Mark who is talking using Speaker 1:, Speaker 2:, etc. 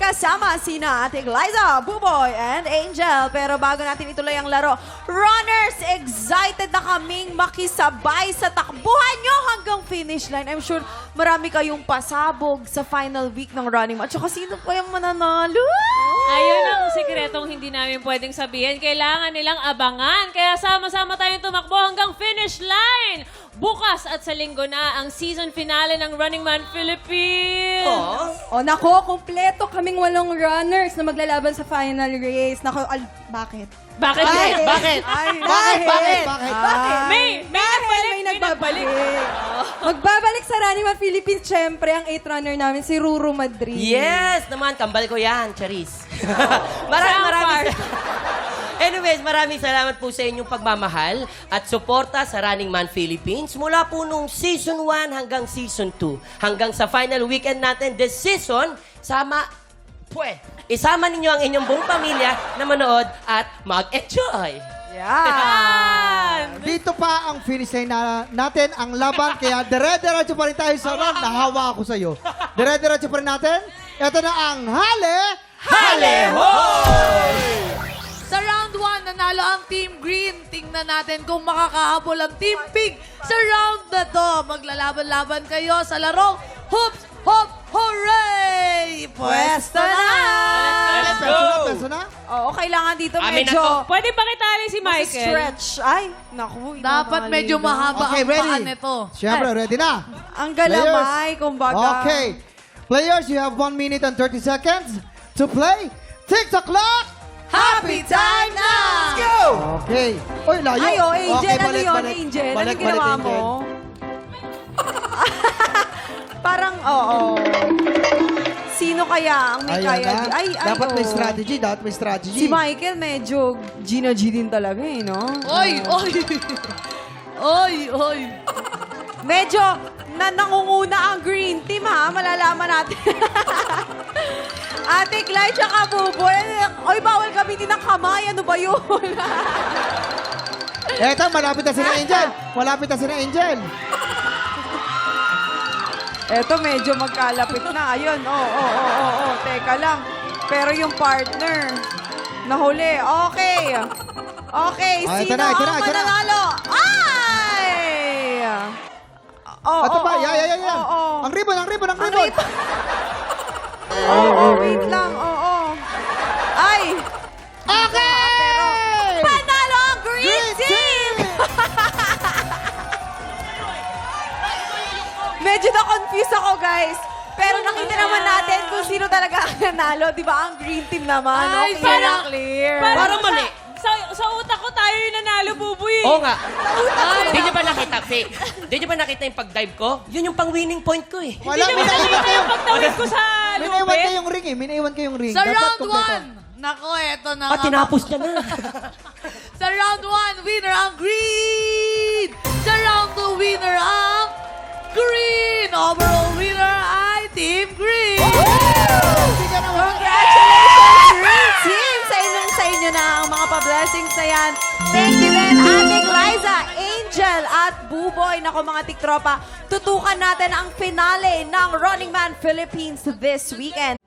Speaker 1: kasama sina Ate Liza, Buboy, and Angel. Pero bago natin ituloy ang laro, runners, excited na kaming makisabay sa takbuhan nyo hanggang finish line. I'm sure marami kayong pasabog sa final week ng Running Man. At saka sino pa yung mananalo?
Speaker 2: Ayun ang sikretong hindi namin pwedeng sabihin. Kailangan nilang abangan. Kaya sama-sama tayong tumakbo hanggang finish line. Bukas at sa linggo na ang season finale ng Running Man Philippines.
Speaker 3: O nako, kumpleto kaming 8 runners na maglalaban sa final race. Nako, bakit?
Speaker 2: Bakit?
Speaker 1: Bakit?
Speaker 3: Bakit?
Speaker 2: May
Speaker 3: nagbabalik. Magbabalik sa Running Man Philippines, syempre, ang 8 runner namin, si Ruru Madrid.
Speaker 4: Yes! Naman, kambal ko yan, Charis. maraming Anyways, maraming salamat po sa inyong pagmamahal at suporta sa Running Man Philippines mula po nung Season 1 hanggang Season 2. Hanggang sa final weekend natin this season, isama ninyo ang inyong buong pamilya na manood at mag-enjoy.
Speaker 1: Yan!
Speaker 5: Dito pa ang finish line natin, ang laban. Kaya dire-diretso pa rin tayo sa round. Nahawa ako sa'yo. Dire-diretso pa rin natin. Ito na ang
Speaker 6: Sa round 1, nanalo ang Team Green. Tingnan natin kung makakahabol ang Team Pink sa round na to. Maglalaban-laban kayo sa larong Hoops, Hop, Hooray! Pwesto na!
Speaker 2: Let's go!
Speaker 5: Peso na?
Speaker 1: Oo, kailangan dito
Speaker 4: Amin
Speaker 1: medyo
Speaker 4: na
Speaker 2: Pwede ba kitali si Michael?
Speaker 1: stretch. Ay, naku.
Speaker 6: Dapat medyo mahaba
Speaker 5: Okay,
Speaker 6: ang paa
Speaker 5: ready?
Speaker 6: nito.
Speaker 5: Siyempre, ready na?
Speaker 1: Ang galamay, kumbaga.
Speaker 5: Okay. Players, you have 1 minute and 30 seconds to play. Tick the clock!
Speaker 6: Happy time na!
Speaker 5: Let's go! Okay. Uy, layo.
Speaker 1: Ay, oh, Angel,
Speaker 5: Okay,
Speaker 1: ano
Speaker 5: balik,
Speaker 1: yun,
Speaker 5: balik.
Speaker 1: Angel?
Speaker 5: Balik,
Speaker 1: Ano ginawa
Speaker 5: balik,
Speaker 1: mo?
Speaker 5: Angel.
Speaker 1: Parang, oo. Sino kaya ang may
Speaker 5: Ayun
Speaker 1: kaya?
Speaker 5: na.
Speaker 1: Ay,
Speaker 5: Dapat may
Speaker 1: oo.
Speaker 5: strategy. Dapat may strategy.
Speaker 1: Si Michael medyo Gina G din talaga eh, no?
Speaker 6: Oy, oy! Oy, oy!
Speaker 1: Medyo nangunguna ang green team ha, malalaman natin. Ate Clyde tsaka Buboy. Oy, bawal gamitin ng kamay. Ano ba yun?
Speaker 5: Eto, malapit na si Angel. Malapit na si Angel.
Speaker 1: Eto, medyo magkalapit na. Ayun, oo. Teka lang. Pero yung partner, nahuli. Okay. Okay,
Speaker 5: Ah, ito
Speaker 1: sino
Speaker 5: na, ito na,
Speaker 1: ang
Speaker 5: ito na.
Speaker 1: mananalo? Ay! Oh,
Speaker 5: Ito pa, yan.
Speaker 1: Oo.
Speaker 5: Ang ribbon.
Speaker 1: Oo, wait lang. Oo. Ay!
Speaker 5: Okay!
Speaker 1: Panalo ang green
Speaker 5: Green
Speaker 1: team! Medyo na-confuse ako, guys. Pero nakita naman natin kung sino talaga ang nanalo. Di ba? Ang green team naman.
Speaker 6: Ay,
Speaker 1: Okay,
Speaker 6: parang-
Speaker 1: clear.
Speaker 4: Parang mali.
Speaker 2: Sa utak ko tayo yung nanalo, Buboy.
Speaker 4: Oo nga. Di niyo ba nakita, Fake? Di niyo ba nakita yung pag-dive ko? Yun yung pang-winning point ko eh.
Speaker 5: Wala,
Speaker 2: Hindi mo nakita yung pagtawid ko sa
Speaker 5: Minaiwan
Speaker 2: lupit.
Speaker 5: kayong ring eh. Minaiwan kayong ring.
Speaker 6: Sa
Speaker 5: Dapat
Speaker 6: round
Speaker 5: kompleto.
Speaker 6: 1, nako, eto na
Speaker 4: At
Speaker 6: nga.
Speaker 4: tinapos niya na.
Speaker 6: Sa round 1, winner ang green! Sa round 2, winner ang green! Overall winner ay Team Green!
Speaker 1: Congratulations, green team! Sa inyo na ang mga pa-blessings na yan. Thank you din, Ate Liza, Angel, at Buboy. Nako mga tiktropa, tutukan natin ang finale ng Running Man Philippines this weekend.